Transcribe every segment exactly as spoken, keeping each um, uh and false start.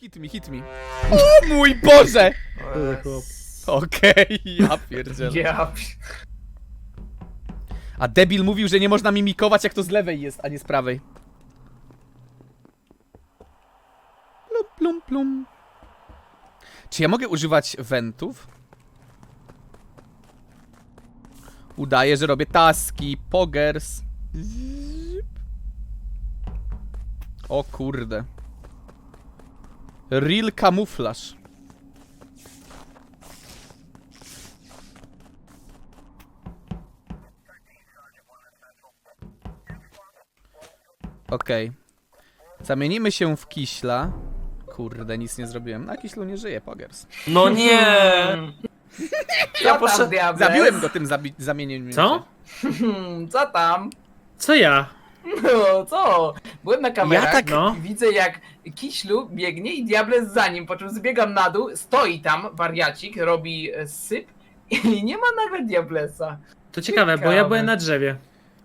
Hit me, hit me. O mój Boże! Yes. Okej, ja pierdzielę. Ja... A debil mówił, że nie można mimikować, jak to z lewej jest, a nie z prawej. Plum, plum, plum. Czy ja mogę używać wentów? Udaję, że robię taski, poggers. Zip. O kurde. Real kamuflaż. Okej. Okay. Zamienimy się w kiśla. Kurde, nic nie zrobiłem. Na kiślu nie żyje, poggers. No nie! Ja poszedłem. Zabiłem go tym zabi zamienieniem. Co? Co tam? Co ja? No co? Byłem na kamerach Ja tak- No. i widzę jak Kiślu biegnie i Diables za nim, po czym zbiegam na dół, stoi tam wariacik, robi e, syp i nie ma nagle Diablesa. To ciekawe, bo ja Ciekawe. byłem na drzewie.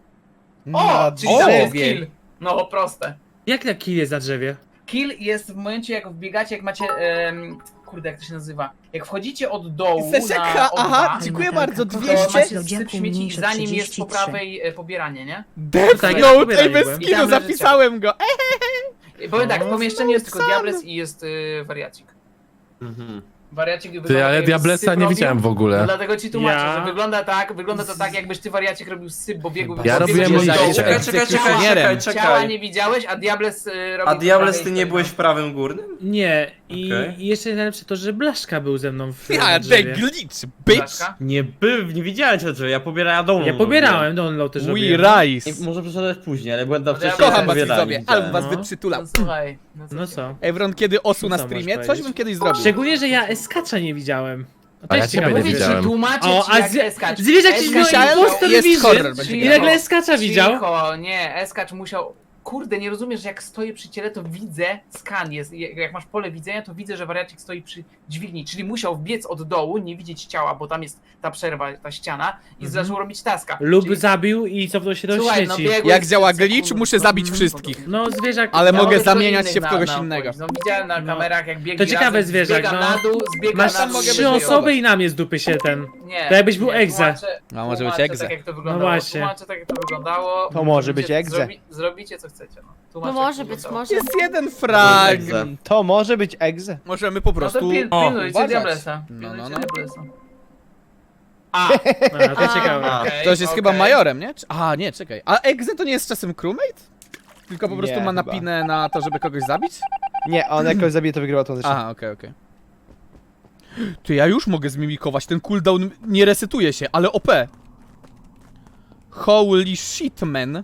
O! Na Czyli tam jest drzewie. kill. No proste. Jak na kill jest na drzewie? Kill jest w momencie jak wbiegacie, jak macie... em, kurde, jak to się nazywa? Jak wchodzicie od dołu Seszeka, na O dwa, aha, dziękuję bardzo, to dwieście. macie syp śmieci i za nim jest po prawej e, pobieranie, nie? Death Tak, ja Note, pobieraj ej, bez byłem. I skinu, tam leży zapisałem go. I powiem tak, w No, pomieszczeniu jest tylko sam. Diables i jest y, wariacik. Mhm. Wariacik Ty, wygląda ale tak, jakby Diablesa syp nie robił. widziałem w No ogóle. dlatego ci tłumaczę, Ja- że wygląda tak, wygląda to tak, jakbyś ty wariacik robił syp, bo biegł Ja biegł robiłem biegł że do dołu. jest Czekaj, czekaj, czekaj, egzekucjonierem. czekaj, Ciała czekaj. nie widziałeś, a Diables y, robił A po Diables, prawej ty nie stronie. byłeś w prawym górnym? Nie, i, Okej. i jeszcze najlepsze to, że Blaszka był ze mną w Ja, na the drzewie. glitch, bitch. Blaszka? Nie był, nie widziałem cię, że ja pobierałem download. Ja pobierałem, download też We robiłem. rise. I może przyszedłeś później, ale byłem tam No ja wcześniej. Kocham was pobierałem, widzowie, widziałem. album was No. wyprzytulam. No słuchaj. No, No co? Evron kiedy osu na Co streamie, możesz coś bym powiedzieć? kiedyś zrobił. Szczególnie, że ja Eskacza nie widziałem. A, to A ja jest ciebie ciekawe. nie Mówię ci, widziałem. tłumaczę O, ci a jak z- Eskacz. zwierzak ci Eskacz wziął musiał- impostor jest widzisz. horror, będzie I Cicho, nagle Eskacza widział. Cicho, nie, Eskacz musiał... Kurde, nie rozumiesz, że jak stoję przy ciele, to widzę, skan jest, jak masz pole widzenia, to widzę, że wariacik stoi przy dźwigni, czyli musiał wbiec od dołu, nie widzieć ciała, bo tam jest ta przerwa, ta ściana i Mhm. zaczął robić taska. Lub Czyli- zabił i cofnął się do Słuchaj, no śmieci. biegłeś Jak działa sekund- glitch, muszę zabić Mhm. wszystkich. No zwierzak... Ale Ja mogę tylko zamieniać innych się w na- kogoś na innego. No widziałem na No. kamerach, jak biegli To ciekawe razem, zwierzak, zbiega no. na dół, zbiega Masz na dół. mogę trzy być osoby i na mnie z dupy się ten. Nie, To jakbyś był nie, egze. tłumaczę- A może być tłumaczę egze. Tak jak to No wyglądało. właśnie. Tłumaczę tak jak to wyglądało. To może być Zrobicie- egze. Zrobi, zrobicie co chcecie. No, Tłumaczę, No jak może to być, wyglądało. może. Jest jeden frag. Egze. To może być egze. Możemy po No to prostu... pil, O, pilnujcie uważać. Diablesa. No, Pilnujcie no, no. Diablesa. A, A, to ciekawe. A. okej, Ktoś jest chyba okej. majorem, nie? Czy- A, nie, czekaj. A Exe to nie jest czasem crewmate? Tylko po prostu Nie, ma chyba. napinę na to, żeby kogoś zabić? Nie, on jakoś zabije, to wygrywa tą Aha, okej, okej. Ty, ja już mogę zmimikować, ten cooldown nie resetuje się, ale O P. Holy shit, man.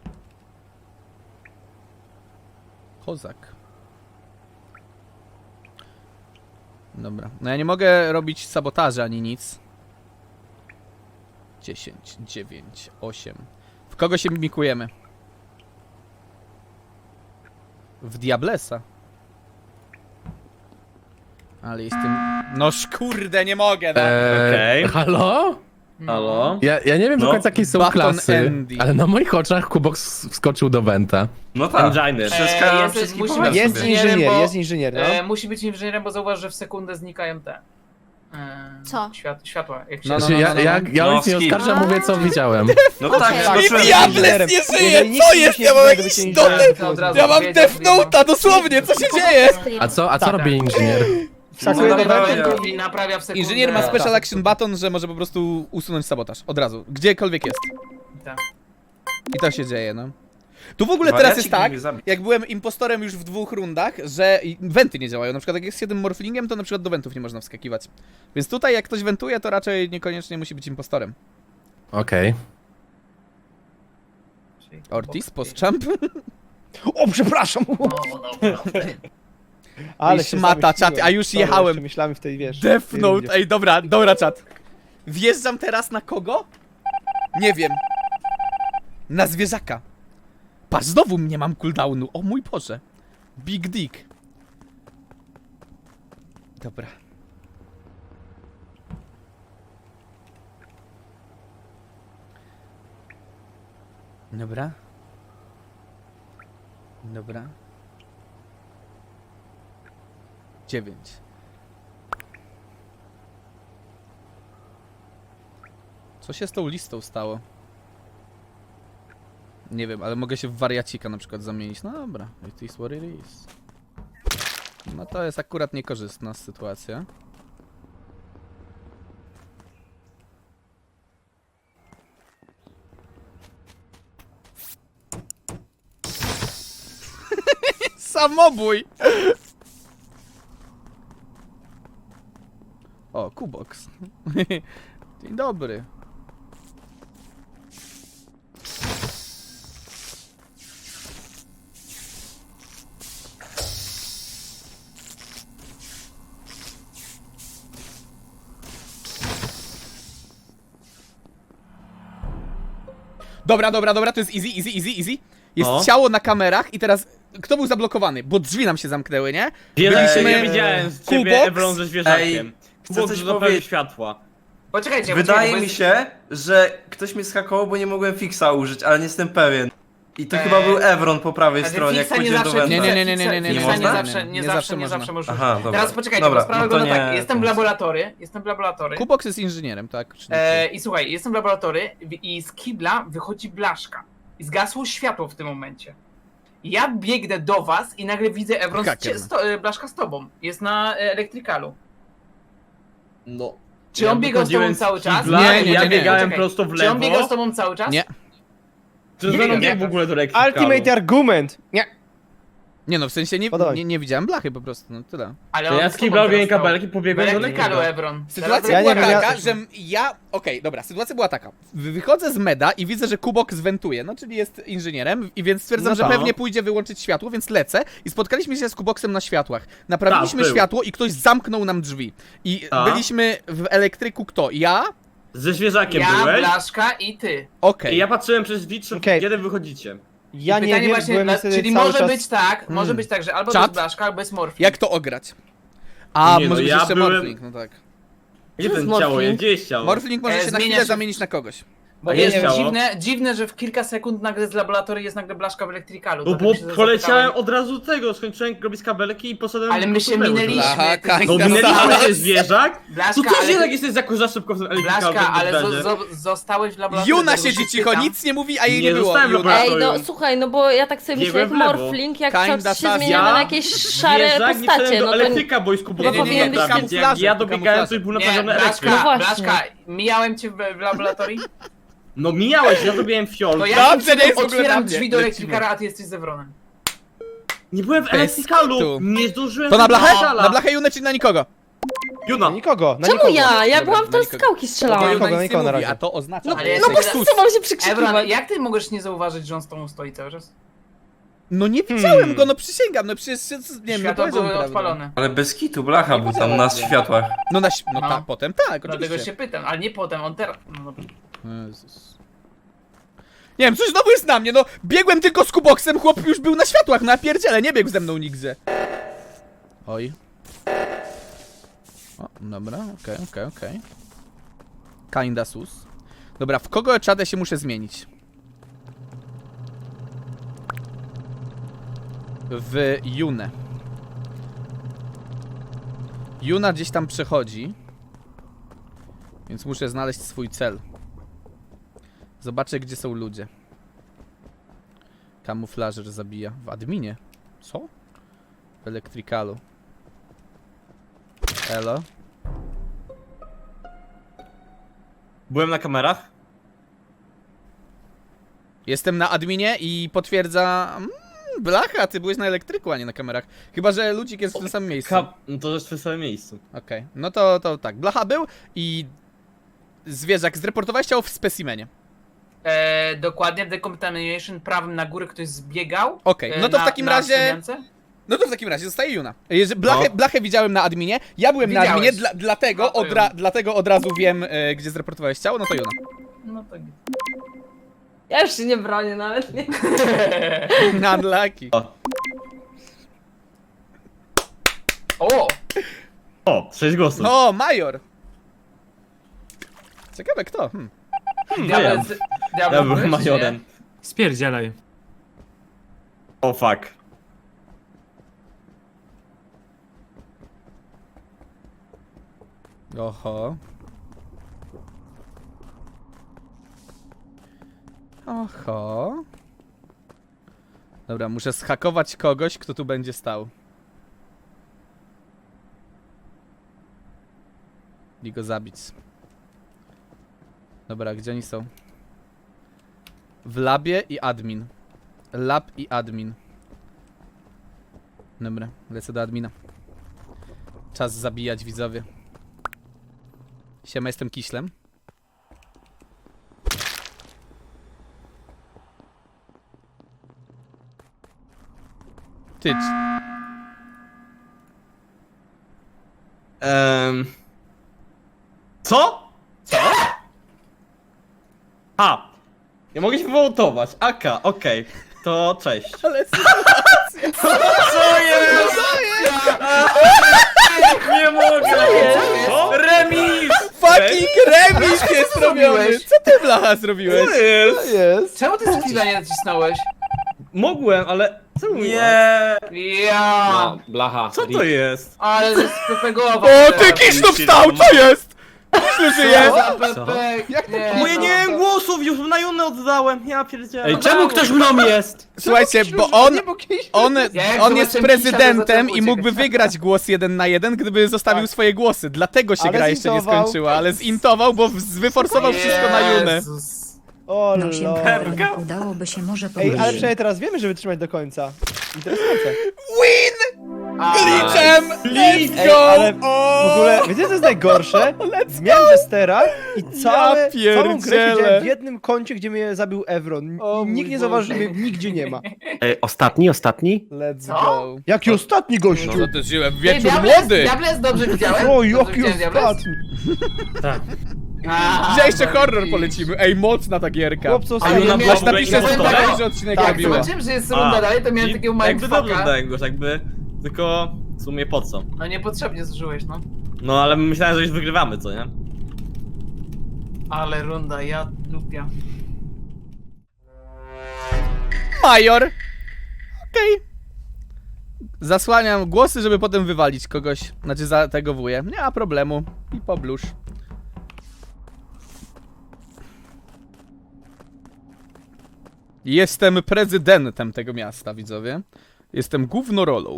Kozak. Dobra, no ja nie mogę robić sabotaży ani nic. dziesięć, dziewięć, osiem. W kogo się mimikujemy? W Diablesa. Ale jestem... No kurde, nie mogę, no. Eee, Okej. Halo? Halo? Ja, ja nie wiem do No. końca jakie są Button klasy, Andy. ale na moich oczach Kubox wskoczył do Wenta. No tak. Engine. Wszystko, Eee, jest- wszystkich musi powiem być Jest sobie. inżynierem, inżynier, bo- jest inżynier, no. E, musi być inżynierem, bo zauważ, że w sekundę znikają te. E, Co? Świat, światła. Jak się No, no, Znaczy, no, ja, no, no. ja, ja No, nic nie skip. oskarżam, mówię co widziałem. No tak, Okej. skoczyłem. I Diables inżynierem. nie żyje! Jeżeli nikt Co nie jest? musi Ja mam inżynierem, jakiś to być dotyk! inżynierem, to od razu Ja mam wiedział, Death Note'a, dosłownie, co się dzieje? A co, a co Tak, robi inżynier? Wskakuje no, do naprawia, Wentu i naprawia w sekundę. Inżynier ma Tak. special action button, że może po prostu usunąć sabotaż. Od razu. Gdziekolwiek jest. Tak. I to się dzieje, no. Tu w ogóle teraz Wariacik jest tak, mógł zabić. jak byłem impostorem już w dwóch rundach, że i- wenty nie działają. Na przykład jak jest jednym morflingiem, to na przykład do wentów nie można wskakiwać. Więc tutaj jak ktoś wentuje, to raczej niekoniecznie musi być impostorem. Okej. Czyli- Ortiz, postchamp. O, przepraszam! No, dobra. Ale szmata, czat, a już jechałem. Myślałem w tej, wiesz... Death w tej Note, rundzie. ej, dobra, dobra, czat. Wjeżdżam teraz na kogo? Nie wiem. Na zwierzaka. Patrz, znowu nie mam cooldownu. O mój Boże. Big Dick. Dobra. Dobra. Dobra. dziewięć. Co się z tą listą stało? Nie wiem, ale mogę się w wariacika na przykład zamienić. No dobra, it is what it is. No to jest akurat niekorzystna sytuacja. Samobój! O, Kubox. Dzień dobry. Dobra, dobra, dobra, to jest easy, easy, easy, easy. Jest No. ciało na kamerach i teraz kto był zablokowany? Bo drzwi nam się zamknęły, nie? Byliśmy... Byliśmy- Ja widziałem z ciebie Kubox? Evron ze zwierzakiem. Ej, chcę Kubox coś zapalił powiedzieć. światła. Poczekajcie, Wydaje poczekajcie, bo mi jest- się, że ktoś mnie schakował, bo nie mogłem fixa użyć, ale nie jestem pewien. I to Eee, chyba był Evron po prawej Ale stronie, jak fixa nie pójdziesz do zawsze, Wenta. Nie, nie, nie, nie, nie, nie, nie fixa można? nie zawsze, nie, Nie zawsze, zawsze nie można. zawsze możesz. Aha, dobra. Teraz poczekajcie, Dobra, bo sprawa no to wygląda nie- tak, jestem w to- laboratory, jestem w laboratory. Kubox jest inżynierem, tak? Czy nie? E, I słuchaj, jestem w laboratory i z kibla wychodzi blaszka. I zgasło światło w tym momencie. Ja biegnę do was i nagle widzę Evron, Haker. z, sto, e, blaszka z tobą. Jest na e, elektrykalu. No. Czy on biegał z tobą wychodziłem cały czas? kibla Nie, i nie, ja nie, nie. biegałem Poczekaj. prosto w Czy on biegał z lewo. tobą cały czas? Nie. Czy Nie z biegam, biegł w nie. ogóle do elektrykalu? Ultimate argument! Nie. Nie no, w sensie nie, Podoba mi nie, się. nie widziałem blachy po prostu, no tyle. Ale To on ja z z tobą kibla robiłem teraz stał. kabelki, W pobiegłem do elektrykalu, elektryka. Evron. Sytuacja Ja była nie wiem, ja- taka, że ja... Okej, dobra, sytuacja była taka. Wychodzę z meda i widzę, że Kubox wentuje, no czyli jest inżynierem i więc stwierdzam, No że tak. pewnie pójdzie wyłączyć światło, więc lecę i spotkaliśmy się z Kuboxem na światłach. Naprawiliśmy Tak, był. światło i ktoś zamknął nam drzwi. I Tak. byliśmy w elektryku kto? Ja? Ze zwierzakiem Ja, byłeś. blaszka i ty. Okej. I ja patrzyłem przez drzwi, czy Okej. kiedy wychodzicie. Ja I nie pytanie wiem, właśnie, byłem na, niestety czyli cały może czas... być tak, może Hmm. być tak, że albo Czat? to jest blaszka, albo jest morfin. Jak to ograć? A, Nie, no może być ja jeszcze byłem- Morphling, no tak. Gdzie jest ten ciało morfling? jest? Gdzie jest ciało? Morphling może E, się na zmienia chwilę się- zamienić na kogoś. Bo A jest jest ciało? dziwne, dziwne, że w kilka sekund nagle z laboratorium jest nagle blaszka w elektrykalu. No dlatego bo się poleciałem zapytałem. od razu tego, skończyłem robić kabelki i poszedłem... Ale my się do lewo. minęliśmy. Blacha, ty- Kań, No Kań, minęliśmy Kań. się zwierzak? Blaszka, To też ale, jednak jesteś jako za szybko w tym elektrykalu. Blaszka, ale w zo, razie. zo, zostałeś w laboratorium. Juna dlatego siedzi się cicho, pytam. nic nie mówi, a jej Nie nie było. zostałem w Juna. laboratorium. Ej, no słuchaj, no bo ja tak sobie myślę, jak Biegłem w lewo. Morphling, jak Kinda czas się Saskia. zmieniamy na jakieś szare Zwierzak, nie postacie, wszedłem no do to... elektryka, bo jest Chyba kubowy. powinien być Jak kamuflaże, ja dobiegałem, to kamuflaże. był Nie, naprawiony elektryk. No Blaszka, właśnie. Blaszka, mijałem cię w, w laboratorium? No mijałeś, ja zrobiłem fiol. To ja Dobrze, tym nie jest w ogóle na otwieram mnie. drzwi do Lecimy. elektrykara, a ty jesteś z Evronem. Nie byłem w Bez elektrykalu. kitu. Nie zdążyłem... To na blachę? elektrykalu. Na blachę Junę czy na nikogo? Juna. Na nikogo, na Czemu nikogo. ja? Ja Dobra, byłam w na to nikogo. skałki Bo strzelałam. Juna nikogo, nic nie nikogo na mówi, razie. a to oznacza... No, Ale no jesteś bo za- wszyscy mam się Evron, przekrzykiwać. jak ty możesz nie zauważyć, że on z tobą stoi cały czas? No nie widziałem go, no przysięgam, no przecież, nie wiem, no Światła powiedział były prawdę. odpalone. Ale bez kitu, blacha był tam na światłach. No na, ś- no, No. tak, potem tak, Dlatego oczywiście. się pytam, ale nie potem, on teraz... No dobra. Jezus. Nie wiem, coś znowu jest na mnie, no biegłem tylko z Kuboxem, chłop już był na światłach, na pierdziele, nie biegł ze mną nigdzie. Oj. O, dobra, okej, okej, okej. Kinda sus. Dobra, w kogo czadę się muszę zmienić? W Junę. Juna gdzieś tam przechodzi. Więc muszę znaleźć swój cel. Zobaczę, gdzie są ludzie. Kamuflażer zabija. W adminie? Co? W elektrykalu. Elo. Byłem na kamerach. Jestem na adminie i potwierdza... Mm, blacha, ty byłeś na elektryku, a nie na kamerach. Chyba, że ludzik jest w tym samym miejscu. Ka no to jest w tym samym miejscu. Okej, no to, to tak. Blacha był i... Zwierzak, zreportowałeś ciało w specimenie. E, dokładnie, w Decontamination prawym na górę ktoś zbiegał. Okej, e, no to w na- takim na razie... szczemiance. No to w takim razie zostaje Juna. Jeżeli blachę, No. blachę widziałem na adminie, ja byłem na Widziałeś. adminie, dla, dlatego, No to od ra, Juna. dlatego od razu wiem, e, gdzie zreportowałeś ciało, no to Juna. No to... Ja już się nie bronię nawet, nie? Unlucky. O! O, sześć głosów. No, Major. Ciekawe kto. Hmm. Diabeł, wiem. diabeł Ja byłem byłeś, czy nie? majorem. Spierdzielaj. O fuck. Oho. Oho. Dobra, muszę zhakować kogoś, kto tu będzie stał. I go zabić. Dobra, gdzie oni są? W labie i admin. Lab i admin. Dobra, lecę do admina. Czas zabijać, widzowie. Siema, jestem Kiślem. Tycz. Ehm... Co? Co? A! Nie mogę się wywołtować. Aka, okej. To cześć. Ale Co jest? Nie mogę! Co? Remis! fucking remis jest robiony! Co ty, blacha, zrobiłeś? Co jest? Jest. Czemu ty skilla nie nacisnąłeś? Mogłem, ale... Co mówisz? Nie. Ja. No, blacha. Co to jest? Ale to jest pepegowa. O, ty Kiślu wstał, co jest? Kiślu żyje! Pepek. Jak to Nie, Bo ja no. nie miałem głosów, już na Junę oddałem. Ja pierdzielę. Ej, czemu ktoś mną jest? Słuchajcie, bo on, Nie, bo Kiślu- on, Jak on zobaczyłem jest Kisia, prezydentem to i mógłby zacząłem wygrać głos jeden na jeden, gdyby zostawił Tak. swoje głosy. Dlatego się Ale gra jeszcze nie zintował. skończyła, ale zintował, bo w- wyforsował wszystko na Junę. Jezus. O No się lol. udałoby się może Ej, powiedzieć. ale przynajmniej teraz wiemy, że wytrzymać do końca. Interesujące. Win! A, Glitchem! Let's Ej, go! ale O! W ogóle, wiecie co jest najgorsze? Zmieniam Jestera i całe, Ja całą grę pierdzielę. siedziałem w jednym kącie, gdzie mnie zabił Evron. O I mój nikt nie Boże. zauważył, że mnie nigdzie nie ma. Ej, ostatni, ostatni? Let's Co? go. Jaki ostatni gościu? No to żyłem, Ej, wieczór Diables- młody! Diables dobrze widziałem? O, Dobrze jaki widziałem Diables? ostatni? Tak. A, Gdzie jeszcze dobra, horror i- polecimy? Ej, mocna ta gierka. Chłopcu, A ostatni. Juna była Aż napiszę w ogóle story, innego. że odcinek Tak, Jak robiłem. zobaczyłem, że jest runda dalej, to miałem i- takiego Jakby dobrze mindfucka. dałem go, jakby... Tylko... W sumie po co? No niepotrzebnie zużyłeś, no. No ale myślałem, że już wygrywamy, co nie? Ale runda, ja dupia. Major! Okej. Zasłaniam głosy, żeby potem wywalić kogoś. Znaczy za tego wuję. Nie ma problemu. I poblusz. Jestem prezydentem tego miasta, widzowie. Jestem główną rolą.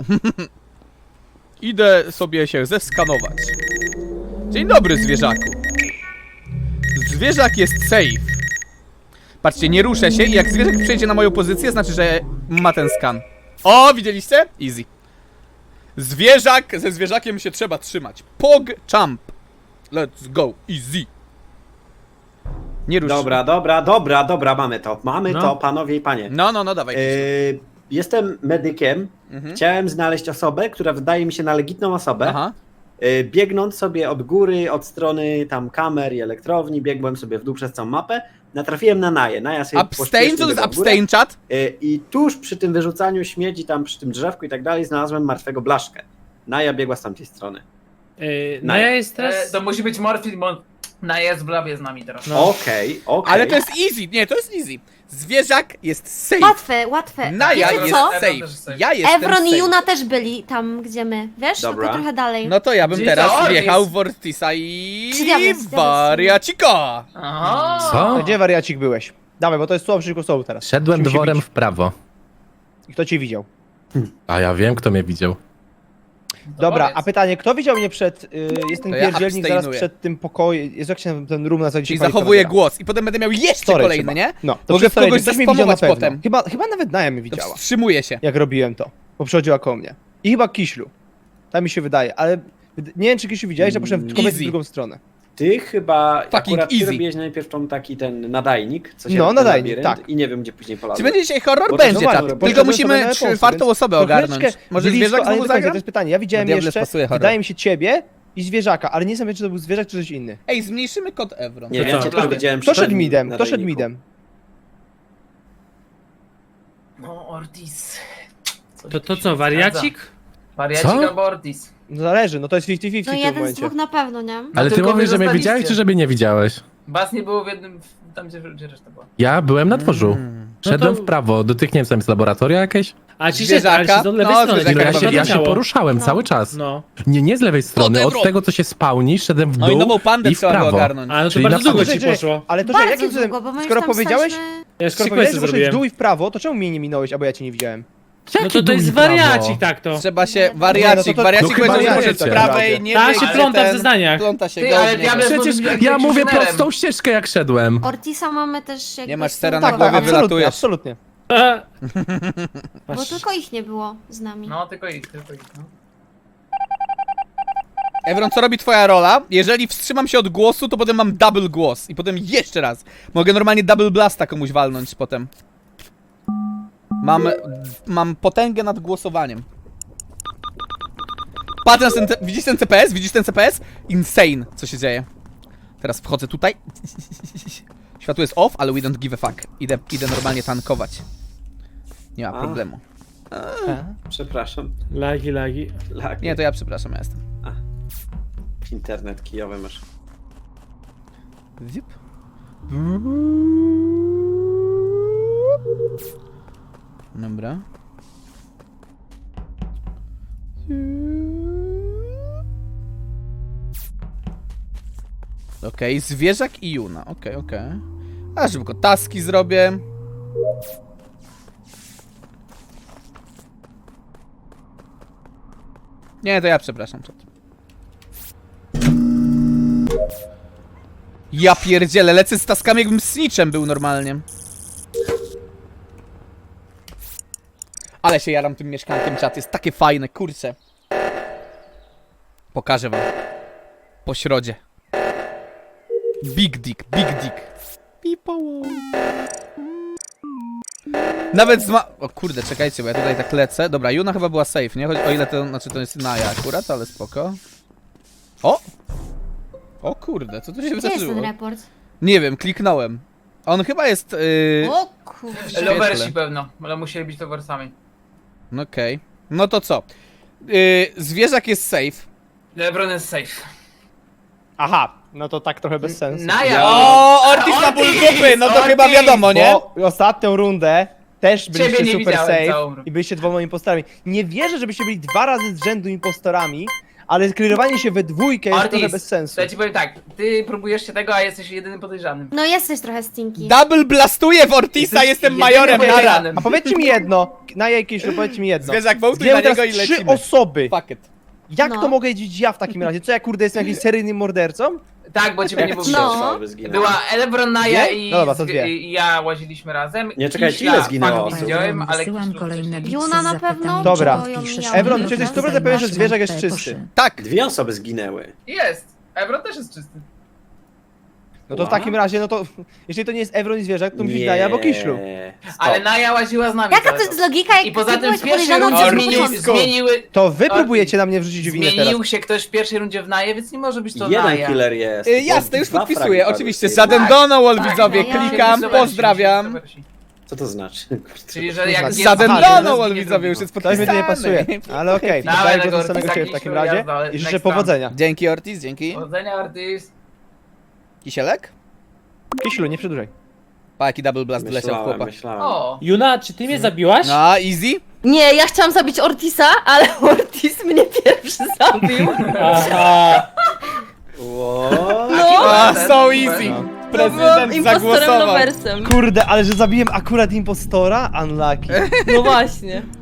Idę sobie się zeskanować. Dzień dobry, zwierzaku. Zwierzak jest safe. Patrzcie, nie ruszę się i jak zwierzak przejdzie na moją pozycję, znaczy, że ma ten skan. O, widzieliście? Easy. Zwierzak, ze zwierzakiem się trzeba trzymać. Pog jump. Let's go, easy. Nie rusz. Dobra, dobra, dobra, dobra, mamy to. Mamy No. to, panowie i panie. No, no, no, dawaj. Yy, jestem medykiem. Mhm. Chciałem znaleźć osobę, która wydaje mi się na legitną osobę. Aha. Yy, biegnąc sobie od góry, od strony tam kamer i elektrowni, biegłem sobie w dół przez całą mapę. Natrafiłem na Naję. Naja sobie Abstain, pośpiesznie co to jest biegła w górę. abstain chat? Yy, I tuż przy tym wyrzucaniu śmieci, tam przy tym drzewku i tak dalej, znalazłem martwego Blaszkę. Naja biegła z tamtej strony. Yy, no ja jest E, teraz... to musi być Morfin, bo na jest w labie z nami teraz. No. Okej, okej. Ale to jest easy. Nie, to jest easy. Zwierzak jest safe. Łatwe, łatwe. Naja Wiecie jest co? safe. Ja jestem Evron i safe. Juna też byli tam, gdzie my. Wiesz? Dobra. Tylko trochę dalej. No to ja bym Gdzie teraz to? wjechał Jest- w Ortisa i... Czy diabeł, diabeł. Wariacika! Aha. Co? Gdzie wariacik byłeś? Dawaj, bo to jest słowo przeciwko słowu teraz. Szedłem Musimy się dworem bić. w prawo. I kto cię widział? A ja wiem, kto mnie widział. Dobra, powiedz. a pytanie, kto widział mnie przed... Y, jest ten To ja pierdzielnik zaraz abstainuję. przed tym pokojem. Jest jak się ten room nazywa? Czyli zachowuję głos i potem będę miał jeszcze Storage kolejny, chyba. nie? No, to Mogę przez storage. kogoś Ktoś mnie widział na zespamować pewno. potem. Chyba, chyba nawet Naja mnie To widziała, wstrzymuję się. jak robiłem to. Bo przychodziła koło mnie. I chyba Kiślu. Tak mi się wydaje, ale nie wiem, czy Kiślu widziałeś, że poszedłem w kompletnie Easy. w drugą stronę. Ty chyba Fucking akurat ty easy. robiłeś najpierw tą taki ten nadajnik, co się No, ten nadajnik, labirynt tak. I nie wiem, gdzie później Czy polazłem. będzie dzisiaj horror? Bo to Będzie, no czat. właśnie, Tylko poszedłem musimy sobie na czwartą więc osobę troszeczkę ogarnąć. Może blisko, zwierzak ale znowu nie do końca, zagra? to jest pytanie. Ja widziałem No, Diables jeszcze, pasuje horror. wydaje mi się ciebie i zwierzaka, ale nie wiem, czy to był zwierzak, czy coś inny. Ej, zmniejszymy kod Evron. Nie To wiem, co? cię tylko widziałem Kto przy szedł tym midem? Kto szedł nadajniku. midem? No, Ortiz. Coś To, to się co, zgadza. wariacik? Wariacik Co? albo Ortiz. No zależy, no to jest pięćdziesiąt No pięćdziesiąt w tym jeden z momencie. dwóch na pewno, nie? Ale ty tylko mówisz, wy że mnie zostaliście. widziałeś, czy żeby nie widziałeś? Was nie było w jednym... tam gdzie, gdzie reszta była. Ja byłem na dworzu. Mm. Szedłem No to- w prawo, do tych, nie wiem, co tam jest laboratoria jakieś? A ci się, Zwierzaka? ale się do lewej No, strony. zwierzaka No, ja, jak się, ja się ciało. poruszałem No. cały czas. No. Nie, nie z lewej strony, Evron. od tego, co się spawni, szedłem w No i dół nową pandę i w trzeba było prawo. ogarnąć. Ale to Czyli bardzo na długo samym- ci poszło. Ale to, że Bardzo jakim cudem, długo, bo my skoro już tam powiedziałeś, staliśmy... Ja skoro sequence'y powiedziałeś, że poszedłeś w zrobiłem. dół i w prawo, to czemu mnie nie minąłeś, albo ja cię nie widziałem? No Jaki to to dół jest i prawo? wariacik, tak to. Trzeba się, Nie, no wariacik, to- to- wariacik to powiedział, że chyba może nie z wiecie. prawej nie Ta wyjść, się ale pląta w ten- zeznaniach. Pląta się Ty, ale godnie. diabeł- Przecież Byłem ja mówię inżynierem. prostą ścieżkę, jak szedłem. Ortisa mamy też jakby... Nie masz z stera tyłu na Tak, głowie, tak, domu, absolutnie, wylatujesz. absolutnie. E, Bo tylko ich nie było z nami. No, tylko ich, tylko ich, no. Evron, co robi twoja rola? Jeżeli wstrzymam się od głosu, to potem mam double głos. I potem jeszcze raz. Mogę normalnie double blasta komuś walnąć potem. Mam, mam potęgę nad głosowaniem. Patrz na ten, widzisz ten C P S? Widzisz ten C P S? Insane, co się dzieje. Teraz wchodzę tutaj. Światło jest off, ale we don't give a fuck. Idę, idę normalnie tankować. Nie ma A. problemu. Przepraszam. Lagi, lagi. Lag. Nie, to ja przepraszam, ja jestem. Internet kijowy masz. Zip. Dobra. Okej, zwierzak i Juna. Okej, okej. A szybko taski zrobię. Nie, to ja przepraszam. Czat. Ja pierdzielę, lecę z taskami jakbym snitchem był normalnie. Ale się jaram tym mieszkankiem, czat, jest takie fajne, kurczę. Pokażę wam. Po środzie. Big dick, big dick. People. Nawet z ma... O kurde, czekajcie, bo ja tutaj tak lecę. Dobra, Juna chyba była safe, nie? Choć, o ile to, znaczy to jest Naja akurat, ale spoko. O! O kurde, co tu się Gdzie jest ten wydarzyło? report? Nie wiem, kliknąłem. On chyba jest... Yy... O kurde. Lowersi pewno, ale musieli być lowersami. No okej. No to co? Yy, zwierzak jest safe. Lebron jest safe. Aha, no to tak trochę bez sensu. Naja! O, Ortiz na ból dupy! No to Ortiz! chyba wiadomo, nie? Bo ostatnią rundę też byliście Ciebie nie super widziałem safe całą rundę. i byliście dwoma impostorami. Nie wierzę, żebyście byli dwa razy z rzędu impostorami, ale sklirowanie się we dwójkę jest trochę bez sensu. to ja ci powiem tak, ty próbujesz się tego, a jesteś jedynym podejrzanym. No jesteś trochę stinky. Double blastuję w Ortisa, Jesteś jestem jedynym majorem, nara! podejrzanym. A powiedzcie mi jedno, na jakieś, powiedzcie mi jedno. Zwierzak, wołtuj Zginęły na niego teraz i trzy lecimy. osoby. Fuck it. Jak No. to mogę wiedzieć ja w takim razie? Co ja kurde jestem jakimś seryjnym mordercą? Tak, bo ciebie nie było Trzy widać. No. osoby zginęły. Była Elebron, Naja Dwie? i, No dobra, to z- dwie. i ja łaziliśmy razem. Nie, czekajcie, Kiśla ile zginęło fakt osób? widziałem, ale Wysyłam Kiślu kolejne wcześniej. Juna na pewno? Dobra. Bo ją mijałam. Ebron, czy jesteś sto procent pewien, że zwierzak jest czysty? Tak! Dwie osoby zginęły. Jest! Ebron też jest czysty. No to w What? takim razie, no to jeżeli to nie jest Evron i zwierzak, to musi Naja albo Kiślu. Ale Naja łaziła z nami. Jaka cały to jest czas. logika, jak I poza ty tym byłeś w pierwszej podejrzaną rundzie od zmienił, początku? zmieniły, To wy Ortiz, próbujecie na mnie wrzucić winę teraz. zmienił się ktoś w pierwszej rundzie w Naję, więc nie może być to Jeden Naja. killer jest. Y, jasne, już Dwa podpisuję, fragi padły oczywiście. z tej Żaden Tak, Donald, tak, widzowie, no ja- klikam, Zobaczcie, pozdrawiam. zobaczcie. Co to znaczy? Czyli, że jak jest... Żaden Aha, Donald, nie widzowie, już jest Coś mi tu nie podpisany. pasuje. Ale okej, Dawaj, okay, Legor, do samego taki ciebie w takim siły razie jazda, ale i życzę next time. powodzenia. Dzięki Ortiz, dzięki. Powodzenia, Ortiz. Kisielek? Kiślu, nie przedłużaj. Pa, jaki double blast wleciał w Myślałem, chłopa. myślałem. O! Juna, czy ty mnie zabiłaś? No, easy? Nie, ja chciałam zabić Ortisa, ale Ortis mnie pierwszy zabił. Aha. Ło. No, A, so easy. to byłam Prezydent impostorem zagłosował. loversem. Kurde, ale że zabiłem akurat impostora? Unlucky. No właśnie.